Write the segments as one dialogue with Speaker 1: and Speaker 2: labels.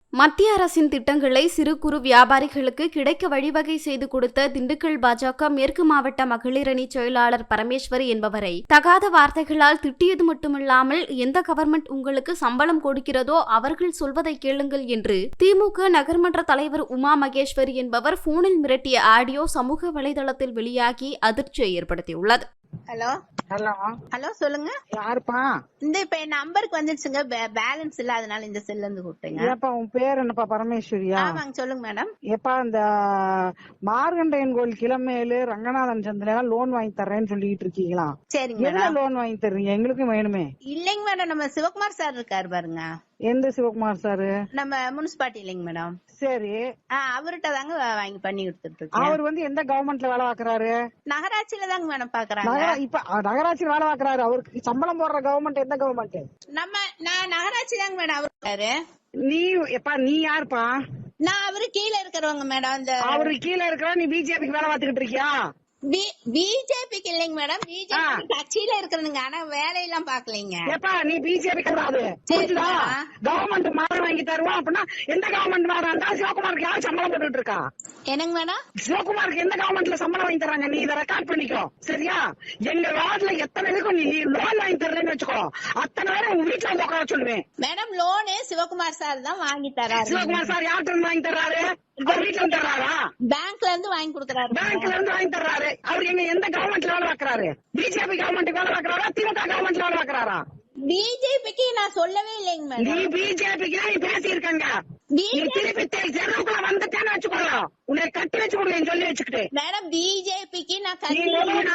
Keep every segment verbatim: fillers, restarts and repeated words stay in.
Speaker 1: மத்திய அரசின் திட்டங்களை சிறு குறு வியாபாரிகளுக்கு கிடைக்க வழிவகை செய்து கொடுத்த திண்டுக்கல் பாஜக மேற்கு மாவட்ட மகளிர் அணி செயலாளர் பரமேஸ்வரி என்பவரை தகாத வார்த்தைகளால் திட்டியது மட்டுமில்லாமல் எந்த கவர்மெண்ட் உங்களுக்கு சம்பளம் கொடுக்கிறதோ அவர்கள் சொல்வதை கேளுங்கள் என்று திமுக நகர்மன்ற தலைவர் உமா மகேஸ்வரி என்பவர் போனில் மிரட்டிய ஆடியோ சமூக வலைதளத்தில் வெளியாகி அதிர்ச்சியை ஏற்படுத்தியுள்ளது.
Speaker 2: ஹலோ
Speaker 3: ஹலோ
Speaker 2: ஹலோ சொல்லுங்க.
Speaker 3: யாருப்பா?
Speaker 2: இந்த இப்ப என் நம்பருக்கு வந்துருச்சுங்க, பேலன்ஸ் இல்ல, அதனால இந்த செல்ல இருந்து கூப்பிட்டேங்க.
Speaker 3: ஏப்பா உன் பேர் என்னப்பா? பரமேஸ்வரியா?
Speaker 2: ஆமாங்க, சொல்லுங்க மேடம்.
Speaker 3: ஏப்பா இந்த மார்கண்டையன் கோயில் கிளமேலு ரங்கநாதன் சந்திரன் லோன் வாங்கி தர்றேன்னு சொல்லிட்டு இருக்கீங்களா?
Speaker 2: சரிங்க
Speaker 3: என்ன
Speaker 2: மேடம்.
Speaker 3: லோன் வாங்கி தர்றீங்க? எங்களுக்கும் வேணுமே.
Speaker 2: இல்லைங்க மேடம், நம்ம சிவகுமார் சார் இருக்காரு பாருங்க.
Speaker 3: எந்த சிவகுமார் சாரு?
Speaker 2: நம்ம முனிசிபாலிட்டி இல்லைங்க மேடம்.
Speaker 3: சரி,
Speaker 2: அவர்கிட்ட தாங்க வாங்கி பண்ணி கொடுத்துட்டு இருக்கேன்.
Speaker 3: அவர் வந்து எந்த கவர்மெண்ட்ல வேலை பாக்குறாரு?
Speaker 2: நகராட்சியில தாங்க மேடம் பாக்குறாங்க.
Speaker 3: நகர- இப்ப நகராட்சியில் வேலை பாக்குறாரு. அவருக்கு சம்பளம் போடுற கவர்மெண்ட் எந்த கவர்மெண்ட்?
Speaker 2: நம்ம நான் நகராட்சி தாங்க மேடம் அவர் இருக்காரு.
Speaker 3: நீ எப்பா நீ யாருப்பா?
Speaker 2: நான் அவரு கீழே இருக்கிறவங்க மேடம். இந்த
Speaker 3: அவரு கீழே இருக்கிற நீ பிஜேபிக்கு வேலை பார்த்துக்கிட்டு இருக்கியா?
Speaker 2: பிஜேபிக்கு இல்லைங்க மேடம், பிஜேபி கட்சியில இருக்கிறதுங்க, ஆனா வேலையெல்லாம் பாக்கலைங்க.
Speaker 3: எப்பா நீ பிஜேபி கிடையாது, கவர்மெண்ட் மாறு வாங்கி தருவோம் அப்படின்னா எந்த கவர்மெண்ட் மாறா இருந்தா சிவகுமாருக்கு யாரும் சம்பளம் போட்டுட்டு இருக்கா?
Speaker 2: என்னங்க மேடம்?
Speaker 3: சிவகுமாருக்கு எந்த கவர்மெண்ட்ல சம்பளம் வாங்கி தராங்க? நீ இதை ரெக்கார்ட் பண்ணிக்கோ, சரியா? எங்க வார்டுல எத்தனை இருக்கும் நீ லோன் வாங்கி தர்றேன்னு வச்சுக்கோ, அத்தனை பேரும் உங்க வீட்டுல வந்து உட்கார சொல்லுவேன்.
Speaker 2: மேடம் லோனு சிவகுமார் சார் தான் வாங்கி தராரு.
Speaker 3: சிவகுமார் சார் யார்கிட்ட இருந்து வாங்கி தர்றாரு? வீட்டுல இருந்து தர்றாரா?
Speaker 2: பேங்க்ல இருந்து வாங்கி கொடுக்கறாரு.
Speaker 3: பேங்க்ல இருந்து வாங்கி தர்றாரு. அவர் எங்க எந்த கவர்மெண்ட்ல வேலை பாக்குறாரு? பிஜேபி கவர்மெண்ட் வேலை பாக்குறாரா? திமுக கவர்மெண்ட்ல வேலை பாக்குறாரா?
Speaker 2: பிஜேபிக்கு நான் சொல்லவே இல்லைங்க மேடம்.
Speaker 3: நீ பிஜேபிக்கு நீ பேசி இருக்காங்க. நீ திருப்பி தெருவுக்குள்ள வந்துட்டேன்னு வச்சுக்கோங்க, உன்னை கட்டி வச்சு கொடுங்க சொல்லி வச்சுக்கிட்டு.
Speaker 2: மேடம் பிஜேபிக்கு நான்
Speaker 3: நீ
Speaker 2: கட்டி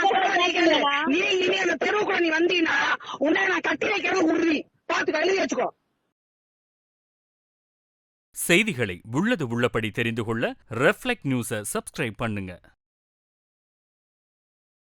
Speaker 3: நீ இனி அந்த தெருவுக்குள்ள நீ வந்தீங்கன்னா உன்னை நான் கட்டி வைக்கிறது உறுதி. பாத்துக்க, எழுதி வச்சுக்கோ.
Speaker 4: செய்திகளை உள்ளது உள்ளபடி தெரிந்து கொள்ள ரெஃப்ளெக்ட் நியூஸை சப்ஸ்கிரைப் பண்ணுங்க.